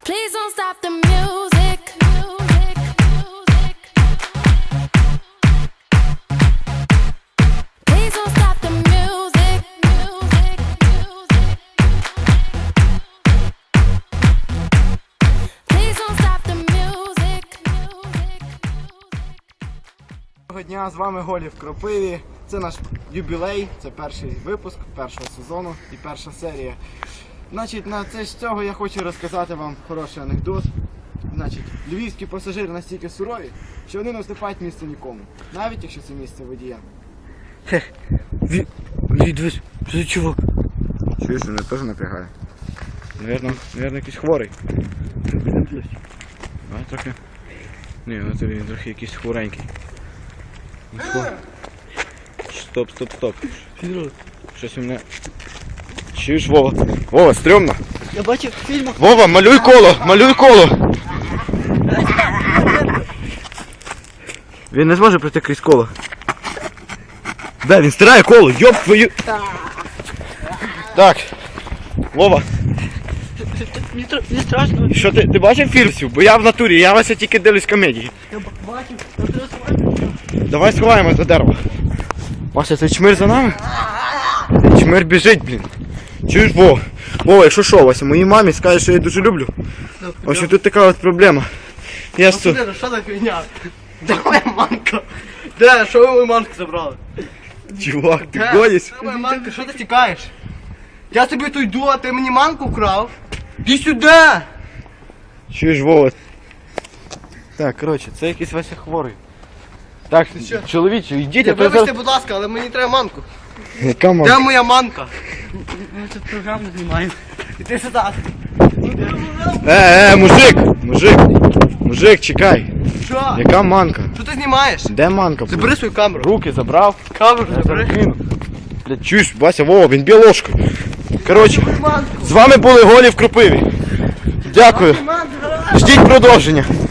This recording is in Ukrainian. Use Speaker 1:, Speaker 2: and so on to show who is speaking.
Speaker 1: Please don't stop the music. Please don't stop the music. Please don't stop the music.
Speaker 2: Доброго дня, з вами Голі в Кропиві. Це наш юбілей, це перший випуск першого сезону і перша серія. Значить, на це з цього я хочу розказати вам хороший анекдот. Значить, львівські пасажири настільки сурові, що вони не уступають місце нікому, навіть якщо це місце водія.
Speaker 3: Дивись, що за чувак?
Speaker 2: Чуєш, мене теж напрягає. Навірно, якийсь хворий. А, трохи. Ні, він трохи якийсь хворенький. Стоп. Щось у мене... Чуєш, Вова? Вова, стрьомно.
Speaker 3: Я бачив в фільмах.
Speaker 2: Вова, малюй коло! Він не зможе пройти крізь коло. Да, він стирає коло, йоп твою... Так, Вова.
Speaker 3: Мені страшно.
Speaker 2: Що ти бачив фільмів? Бо я в натурі, я Вася тільки дивлюсь комедії.
Speaker 3: Я бачив, я тебе сховаю.
Speaker 2: Давай сховаємось до дерева. Вася, цей чмир за нами? Чмир біжить, блін. Чуєш, Вова? Вова, якщо що, Вася, моїй мамі скажеш, що я її дуже люблю. В общем, тут така от проблема. Я ж тут...
Speaker 3: Що за фігня? Де моя манка? Де? Що ви мою манку забрали?
Speaker 2: Чувак, ти гониш?
Speaker 3: Де моя манка? Що ти тікаєш? Я тобі тут йду, а ти мені манку вкрав? Іди сюди!
Speaker 2: Чуєш, Вова? Так, коротше, це якийсь Вася хворий. Так,
Speaker 3: що?
Speaker 2: чоловіче, йдіть, а то
Speaker 3: Вибачте,
Speaker 2: зараз...
Speaker 3: будь ласка, але мені треба манку.
Speaker 2: Яка мама?
Speaker 3: Де моя манка? Ми тут програму знімаємо. Іди сюди.
Speaker 2: Мужик, чекай.
Speaker 3: Що?
Speaker 2: Яка манка?
Speaker 3: Що ти знімаєш?
Speaker 2: Де манка?
Speaker 3: Забери свою камеру.
Speaker 2: Руки забрав.
Speaker 3: Камеру
Speaker 2: Я
Speaker 3: забери.
Speaker 2: зараз кину. Блядь, чуєш, Вася, Вова, він б'є ложкою. Коротше,
Speaker 3: Манку.
Speaker 2: з вами були Голі в Кропиві. Дякую.
Speaker 3: Манку.
Speaker 2: Ждіть продовження.